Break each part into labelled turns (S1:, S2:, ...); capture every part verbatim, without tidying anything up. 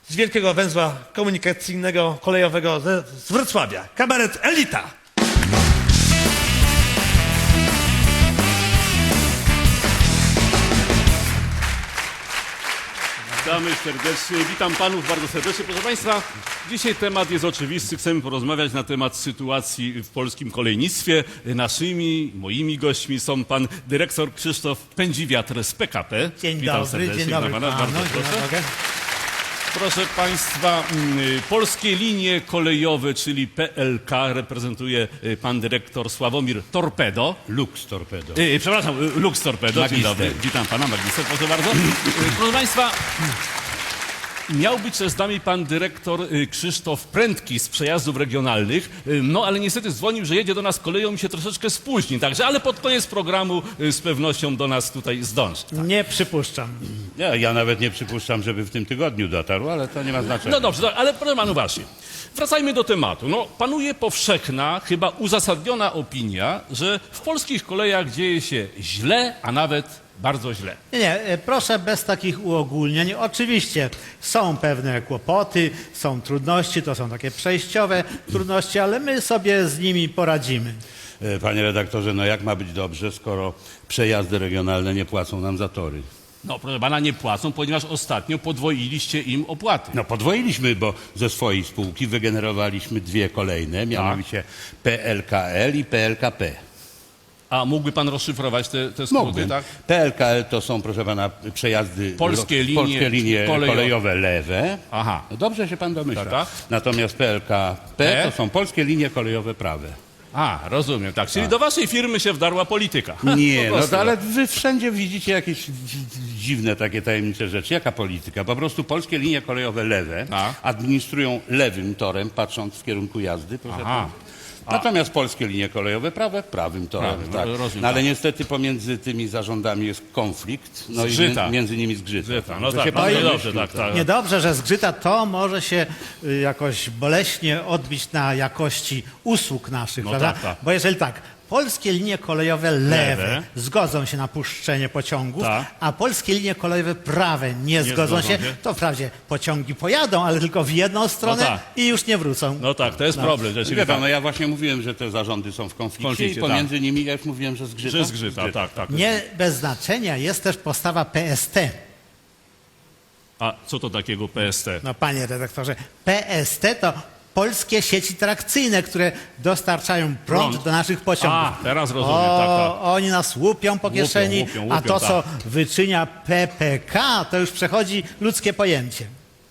S1: z wielkiego węzła komunikacyjnego, kolejowego ze, z Wrocławia. Kabaret Elita.
S2: Witamy serdecznie, witam panów bardzo serdecznie. Proszę państwa, dzisiaj temat jest oczywisty. Chcemy porozmawiać na temat sytuacji w polskim kolejnictwie. Naszymi, moimi gośćmi są pan dyrektor Krzysztof Pędziwiatr z P K P.
S1: Dzień
S2: Witam
S1: dobry,
S2: serdecznie.
S1: dzień dobry
S2: Witam pana.
S1: panu.
S2: Bardzo
S1: Dzień
S2: proszę.
S1: dobry.
S2: Proszę państwa, mm, polskie linie kolejowe, czyli P L K, reprezentuje y, pan dyrektor Sławomir Torpedo.
S3: Lux Torpedo.
S2: Y, przepraszam, y, Lux Torpedo. Dzień
S3: Magister.
S2: dobry. Witam pana, magister, proszę bardzo. Y, Proszę państwa, miał być też z nami pan dyrektor y, Krzysztof Prędki z Przejazdów Regionalnych, y, no ale niestety dzwonił, że jedzie do nas koleją i się troszeczkę spóźni, także, ale pod koniec programu y, z pewnością do nas tutaj zdąży.
S1: Nie przypuszczam.
S3: Ja, ja nawet nie przypuszczam, żeby w tym tygodniu dotarł, ale to nie ma znaczenia.
S2: No dobrze, ale proszę panu właśnie, wracajmy do tematu. No, panuje powszechna, chyba uzasadniona opinia, że w polskich kolejach dzieje się źle, a nawet bardzo źle.
S4: Nie, nie, e, proszę bez takich uogólnień. Oczywiście są pewne kłopoty, są trudności, to są takie przejściowe trudności, ale my sobie z nimi poradzimy.
S3: E, Panie redaktorze, no jak ma być dobrze, skoro przejazdy regionalne nie płacą nam za tory?
S2: No, proszę pana, nie płacą, ponieważ ostatnio podwoiliście im opłaty.
S3: No podwoiliśmy, bo ze swojej spółki wygenerowaliśmy dwie kolejne, mianowicie P L K L i P L K P.
S2: A mógłby pan rozszyfrować te, te skróty,
S3: Mógłbym.
S2: tak?
S3: P L K L to są, proszę pana, przejazdy...
S2: Polskie linie
S3: polskie linie
S2: kolejowe.
S3: kolejowe lewe.
S2: Aha.
S3: No dobrze się pan domyśla.
S2: Tak, tak.
S3: Natomiast P L K P
S2: P?
S3: to są polskie linie kolejowe prawe.
S2: A, rozumiem, tak. Czyli do waszej firmy się wdarła polityka.
S3: Nie,
S2: Po
S3: no
S2: prostu,
S3: to, ale wy wszędzie widzicie jakieś dziwne takie tajemnicze rzeczy. Jaka polityka? Po prostu polskie linie kolejowe lewe
S2: A.
S3: administrują lewym torem, patrząc w kierunku jazdy. Proszę
S2: Aha.
S3: pana. Natomiast polskie linie kolejowe prawe prawym torem.
S2: Prawym,
S3: tak.
S2: rozumiem,
S3: No, ale
S2: tak.
S3: niestety pomiędzy tymi zarządami jest konflikt. No
S2: Zgrzyta.
S3: i mi- między nimi zgrzyta.
S2: Zgrzyta. No
S3: Że
S2: tak,
S3: się
S2: no
S3: pan
S2: i
S3: domyślił,
S2: dobrze, tak, tak.
S4: Niedobrze, że zgrzyta to może się y, jakoś boleśnie odbić na jakości usług naszych,
S2: No
S4: prawda?
S2: tak, tak.
S4: Bo jeżeli tak, polskie linie kolejowe lewe,
S2: Lewe.
S4: zgodzą się na puszczenie pociągów,
S2: Tak.
S4: a polskie linie kolejowe prawe nie, zgodzą
S2: zgodzą
S4: się,
S2: się.
S4: to wprawdzie pociągi pojadą, ale tylko w jedną stronę
S2: tak.
S4: i już nie wrócą.
S2: No tak, to jest problem,
S3: Wie
S2: rzeczywiście.
S3: pan, no ja właśnie mówiłem, że te zarządy są w konflikcie,
S2: konflikcie,
S3: i pomiędzy nimi, ja już mówiłem, że zgrzyta.
S2: Że zgrzyta, tak, tak.
S4: Nie bez znaczenia jest też postawa P S T.
S2: A co to takiego P S T?
S4: No panie redaktorze, P S T to polskie sieci trakcyjne, które dostarczają prąd,
S2: Prąd.
S4: do naszych pociągów.
S2: A, teraz rozumiem,
S4: o,
S2: tak, tak.
S4: Oni nas łupią po
S2: Łupią,
S4: kieszeni,
S2: łupią,
S4: a
S2: łupią,
S4: to,
S2: tak.
S4: co wyczynia P P K, to już przechodzi ludzkie pojęcie.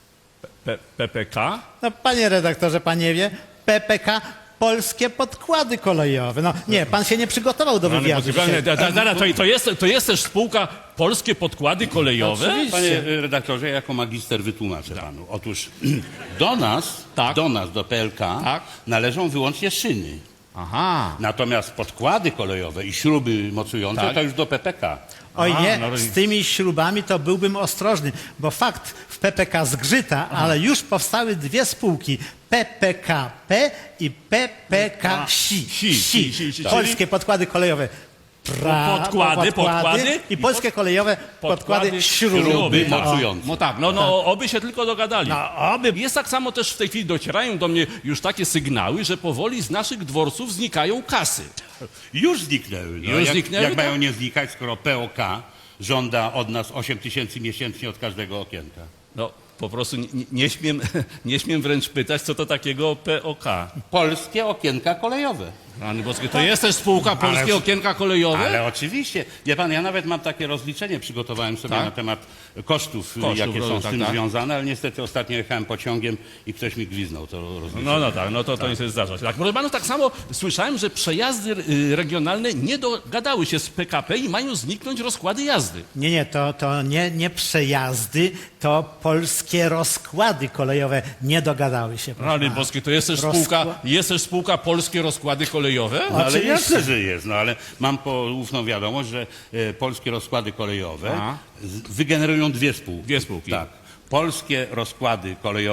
S2: P- PPK?
S4: No panie redaktorze, pan nie wie, P P K polskie podkłady kolejowe. No nie, pan się nie przygotował do wywiadu dzisiaj.
S2: Da, da, da, da, to, to, jest, to jest też spółka Polskie Podkłady Kolejowe?
S4: Oczywiście.
S3: Panie y, redaktorze, ja jako magister wytłumaczę panu. Otóż do nas,
S2: Tak.
S3: do nas, do P L K
S2: Tak.
S3: należą wyłącznie szyny.
S2: Aha.
S3: Natomiast podkłady kolejowe i śruby mocujące
S2: Tak.
S3: to już do P P K.
S4: Oj
S2: Aha,
S4: nie,
S2: no i-
S4: z tymi śrubami to byłbym ostrożny, bo fakt w P P K zgrzyta, ale już powstały dwie spółki, P P K P i P P K Si.
S2: Si, si, si, si.
S4: Polskie podkłady kolejowe. Pra,
S2: Podkłady, podkłady
S4: i polskie kolejowe podkłady, śruby.
S3: śruby
S4: O.
S3: mocujące.
S2: No tak, no, no oby się tylko dogadali.
S4: No, oby.
S2: Jest tak samo też w tej chwili docierają do mnie już takie sygnały, że powoli z naszych dworców znikają kasy.
S3: Już zniknęły. No,
S2: Już
S3: jak,
S2: zniknęły,
S3: jak
S2: tak?
S3: mają nie znikać, skoro P O K żąda od nas osiem tysięcy miesięcznie od każdego okienka?
S2: No po prostu nie, nie- nie, śmiem, nie śmiem wręcz pytać, co to takiego P O K.
S3: Polskie okienka kolejowe.
S2: Rany boskie, to jest też spółka Polskie
S3: Ale-
S2: Okienka Kolejowe?
S3: Ale oczywiście. Wie pan, ja nawet mam takie rozliczenie, przygotowałem sobie
S2: Tak?
S3: na temat kosztów,
S2: Kosztów,
S3: jakie są z
S2: tak,
S3: tym
S2: tak.
S3: związane, ale niestety ostatnio jechałem pociągiem i ktoś mi gwiznął to rozliczenie.
S2: No, no tak, no to, to nie się zdarza. Tak, proszę panów, tak samo słyszałem, że przejazdy y, regionalne nie dogadały się z P K P i mają zniknąć rozkłady jazdy.
S4: Nie, nie, to, to nie, nie przejazdy, to polskie rozkłady kolejowe nie dogadały się. proszę
S2: Rany
S4: pana.
S2: boskie, to jest też
S4: Rozkła-
S2: spółka, jest też spółka Polskie Rozkłady Kolejowe?
S3: No, ale
S4: Oczywiście.
S3: jasne, że jest, no ale mam poufną wiadomość, że e, polskie rozkłady kolejowe
S2: A.
S3: z, wygenerują dwie spółki.
S2: Dwie spółki.
S3: Tak. Polskie rozkłady kolejowe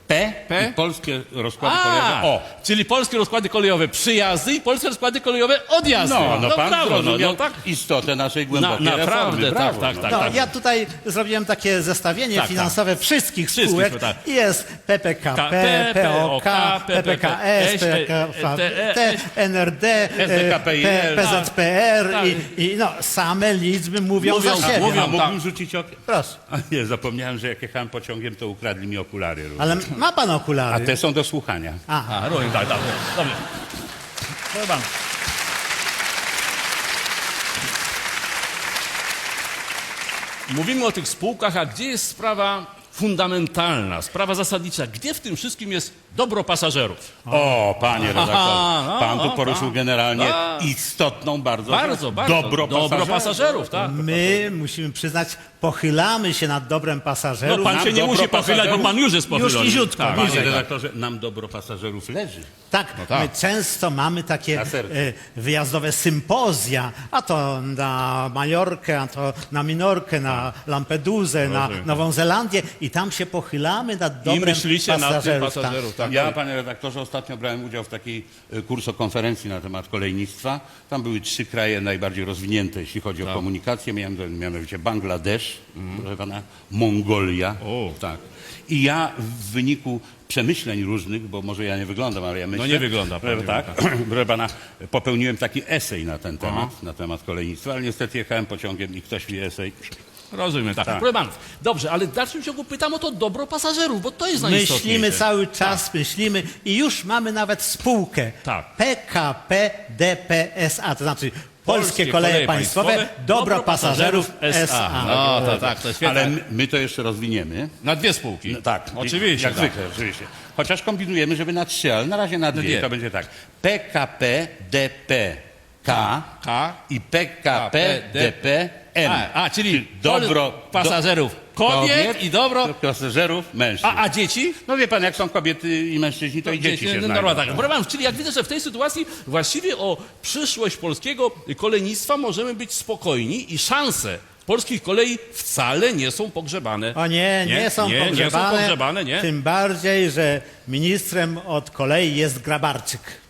S3: P,
S2: P?
S3: i polskie rozkłady kolejowe
S2: A,
S3: O.
S2: czyli polskie rozkłady kolejowe przyjazdy i polskie rozkłady kolejowe odjazdy.
S3: No, no, pan
S2: brawo, no,
S3: zrozumiał
S2: no tak.
S3: istotę naszej
S2: Na,
S3: głębokiej
S2: naprawdę,
S3: reformy.
S2: tak,
S3: Brawo,
S2: tak,
S3: no.
S2: tak,
S4: No,
S2: tak.
S4: ja tutaj zrobiłem takie zestawienie
S2: Tak, tak.
S4: finansowe wszystkich
S2: Wszystkich,
S4: spółek.
S2: tak.
S4: I jest P P K
S2: K-
S4: P, P O K,
S2: P P K S,
S4: P P K T, N R D,
S3: S D K P I L,
S4: P Z P R
S2: tak.
S4: i, i no, same liczby mówią,
S2: Mówią,
S4: za siebie.
S2: mówią.
S3: A mógłbym
S2: tak.
S3: rzucić okiem?
S4: Proszę.
S3: A nie, zapomniałem, że jak jechałem pociągiem, to ukradli mi okulary. również.
S4: Ale ma pan
S3: A
S4: okulary?
S3: te są do słuchania.
S4: A,
S2: A, rozumiem, tak, tak. Dobrze. Proszę pana. Mówimy o tych spółkach, a gdzie jest sprawa fundamentalna, sprawa zasadnicza? Gdzie w tym wszystkim jest dobro pasażerów?
S3: O, panie redaktorze,
S2: Aha, no,
S3: pan tu
S2: no,
S3: poruszył
S2: tak.
S3: generalnie
S2: Tak.
S3: istotną bardzo,
S2: Bardzo,
S3: rzecz.
S2: bardzo.
S3: dobro,
S2: dobro
S3: pasażerów.
S2: pasażerów, tak.
S4: my musimy przyznać, pochylamy się nad dobrem pasażerów.
S2: No pan
S3: nam
S2: się nie
S3: dobro
S2: musi pochylać, bo
S3: pasażerów-
S2: pan już jest
S4: Już
S2: pochylony.
S4: niziutko,
S2: Tak,
S3: Panie
S4: bliżej.
S3: redaktorze, nam dobro pasażerów leży.
S4: Tak,
S2: tak.
S4: my często mamy takie
S3: Na sercu.
S4: e, wyjazdowe sympozja, a to na Majorkę, a to na Minorkę, na Lampedusę, na Nową Zelandię i tam się pochylamy nad dobrem
S2: myślicie nad tym
S4: pasażerów.
S2: pasażerów, tak.
S3: Ja, panie redaktorze, ostatnio brałem udział w takiej e, kursokonferencji na temat kolejnictwa. Tam były trzy kraje najbardziej rozwinięte, jeśli chodzi o komunikację. Miałem to mianowicie Bangladesz, proszę pana, Mongolia.
S2: O.
S3: Tak. I ja w wyniku przemyśleń różnych, bo może ja nie wyglądam, ale ja myślę...
S2: nie wygląda pan,
S3: że
S2: nie
S3: tak, proszę pana, popełniłem taki esej na ten temat, na temat kolejnictwa, ale niestety jechałem pociągiem i ktoś mi esej...
S2: Rozumiem, tak.
S3: Tak.
S2: Proszę panów, dobrze, ale w dalszym ciągu pytam o to dobro pasażerów, bo to jest najistotniejsze.
S4: Myślimy cały czas, myślimy i już mamy nawet spółkę
S2: Tak.
S4: P K P D P S A, to znaczy Polskie Koleje Państwowe, Dobro Pasażerów S A.
S2: No to tak, to świetnie.
S3: Ale my, my to jeszcze rozwiniemy.
S2: Na dwie spółki.
S3: No, tak.
S2: Oczywiście.
S3: Jak
S2: tak.
S3: zwykle, oczywiście. Chociaż kombinujemy, żeby na trzy, ale na razie na dwie.
S2: dwie.
S3: To będzie tak. P K P D P K
S2: K
S3: i P K P D P M.
S2: A, a czyli
S3: dobro
S2: pasażerów kobiet i dobro...
S3: pasażerów mężczyzn.
S2: A, a dzieci?
S3: No wie pan, jak są kobiety i mężczyźni, to i dzieci się
S2: no,
S3: znajdą.
S2: no, tak. Proszę panów, czyli jak widzę, że w tej sytuacji właściwie o przyszłość polskiego kolejnictwa możemy być spokojni i szanse polskich kolei wcale nie są pogrzebane.
S4: O nie, nie,
S2: Nie,
S4: są
S2: nie, nie są
S4: pogrzebane,
S2: pogrzebane, nie.
S4: tym bardziej, że ministrem od kolei jest Grabarczyk.